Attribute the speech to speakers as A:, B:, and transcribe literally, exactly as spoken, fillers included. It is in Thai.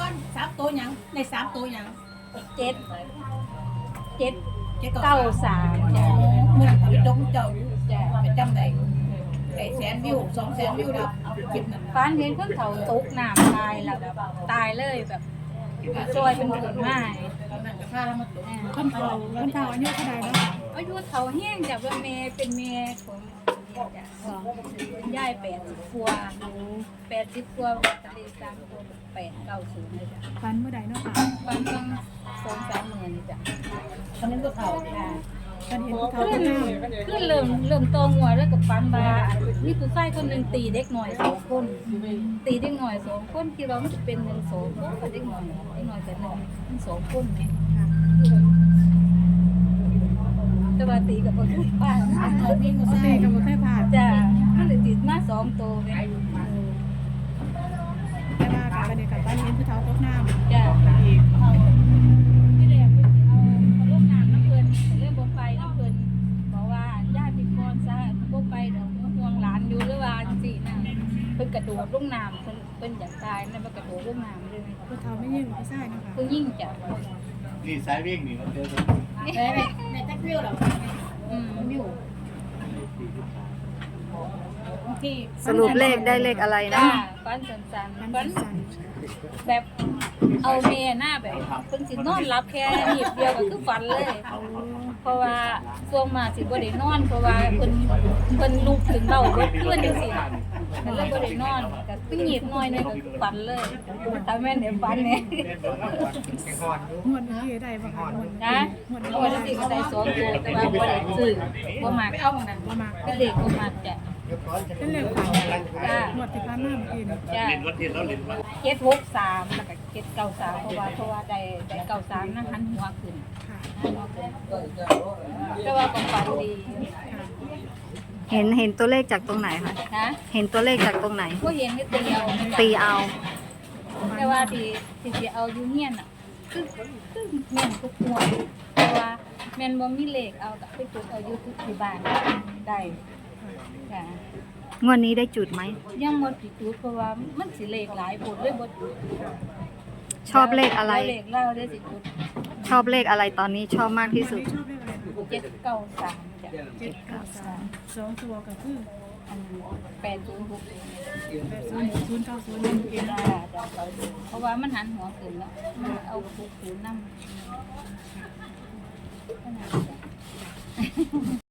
A: อนสามตัวยังในสามตัวยัง
B: เจ็ดเจ็ด
A: เจ็ด
B: เก้าสามจ้ะ
A: เมื่อเขาไปจงเจ้า
B: จ้ะ
A: ไปจำได้ไอ้แสนวิวสองแสนวิวแล้วคลิปนั้น
B: ฝันเห็นคนเขาตกน้ำตายแล้วแบบตายเลยแบบซอยเป็นผืนไม้
A: ตอนนั้นก็พาเรามาตก
C: คนเฒ่าคนเฒ่าอายุเท่าใดเนาะ
B: อายุเขาแห้งจากว่าเมย์เป็นเมย์ของจ้ะเป็นย่ายแปดสิบกัวแปดสิบกัวทะเลสามคนแปดเก้าศูนย์เลยจ้ะ
C: ฟันเมื่อใดเนาะค่ะ
B: ฟันต้องสองสามหมื่นจ้ะ
A: ตอนนั้นก็เฒ่า
B: จ้ะ
C: ฟันเห็นผู้เฒ่า
B: ขึ้น
C: ผู้งาม
B: ขึ้นเริ่มเริ่มโตงัวแล้วกับฟันบานี่ผู้ชายคนหนึ่งตีเด็กหน่อยสองคนตีเด็กหน่อยสองคนคิดว่ามันจะเป็นหนึ่งสองคนกับเด็กหน่อยเด็กหน่อยแต่หนึ่งมันสองคนไหม
C: ค่ะ
B: แต่ว่าตีกับคนคือป้า
A: เอาวิ่งมา
C: ปก
A: ใส่
C: ติก็บ่เคยผ่าน
B: จ้ะมันเลยติดมาสองตัวไหม
C: แต่ว่ากับบัดนี้กับฟันเห็นผู้เฒ่าตกน้ำ
B: จ้ะ
C: อีก
B: ที่แรกเพิ่นเอาเอาลูกน้ำน้ำเพิ่นเรื่องบนไฟน้ำเพิ่นบอกว่าญาติพี่ก่อนซะบ่ไปดอกห่วงหลานอยู่หรือว่าจังซี่นะเพิ่นกระโดดลงน้ำเพิ่นเพิ่นอยากตายนะมันกระโดดลงน้ำเลย
C: ผู้เฒ่าไม่ยิ่งผู้ชายเนาะค่ะ
B: เพิ่นยิ่งจ้ะ
D: นี่สายวิ่งนี่มันเจอกัน
A: ในในในแท็กวิวเรา
B: อืม
A: วิวบางที
E: สรุปเลขได้เลขอะไรนะ
B: จ้าฟันสัน
C: ฟัน
B: ๆฟัน
C: สั่น
B: แบบเอาเมหน้าแบบเพิ่นสินอนรับแค่นิดเดียวก็คือฝันเลย เพราะว่าช่วงมาสิบ่ได้นอน เพราะว่าเพิ่นเพิ่นลุกถึงเบ้าเบิดคืนจังซี่ก็เลยบ่ได้นอนก็คือหยิบหน่อยหนึงก็คือฝันเลยถ้าแม่นได้ฝันเนี่ย
C: งวดเมื่อกี้ได้บ่ค่ะงวด
B: นะ
C: งวด
B: โอ้ยสิก็ได้สองตัวแต่ว่าบ่ได้ซื้อบ่มักเอานั่น
C: บ่มาก
B: เป็นเด็กบ่มักจ้ะ
C: เป็นเลขฝัน
B: จ้า
C: งวดที่ผ่านมาเมื่อกี้นี่
B: จ้า
D: เล่นวัดเทียนแล้วเล่นวัด
B: เจ็ดหกสามแล้วก็เจ็ดเก้าสามเพราะว่าเพราะว่าได้ได้เก้าสามนะหันหัวขึ้น
C: ค่ะ
B: หันหัวขึ้นแต่ว่าก็ฝันดี
C: ค่ะ
E: เห็นเห็นตัวเลขจากตรงไหนคะ
B: นะ
E: เห็นตัวเลขจากตรงไหน
B: ผู้เห็นนี่ตีเอา
E: ตีเอา
B: แต่ว่าที่ที่สิเอาอยู่เฮียนอ่ะคือคือแม่นทุกหัวเพราะว่าแม่นบ่มีเลขเอาก็ไปจุดเอาอยู่ทุกที่บ้านได้ค่ะ
E: งวดนี้ได้จุดไหม
B: ยังบ่สิจุดเพราะว่ามันสิเลขหลายผลเลยบ่จุด
E: ชอบเลขอะไร
B: เลขเล่าได้สิจุด
E: ชอบเลขอะไรตอนนี้ชอบมากที่สุด
C: ชอบเลขอะไรคะ
B: เจ็ดเก้าสามจ้ะ
C: เจ็ดเก้าสามสองตัวก็คือ
B: อันแปดศูนย์หก
C: แปดศูนย์หกศูนย์เก้าศูนย์หนึ่งเอ็น
B: จ้าจ้าเพราะว่ามันหันหัวขึ้นแล้วมันเอาหกศูนย์นำ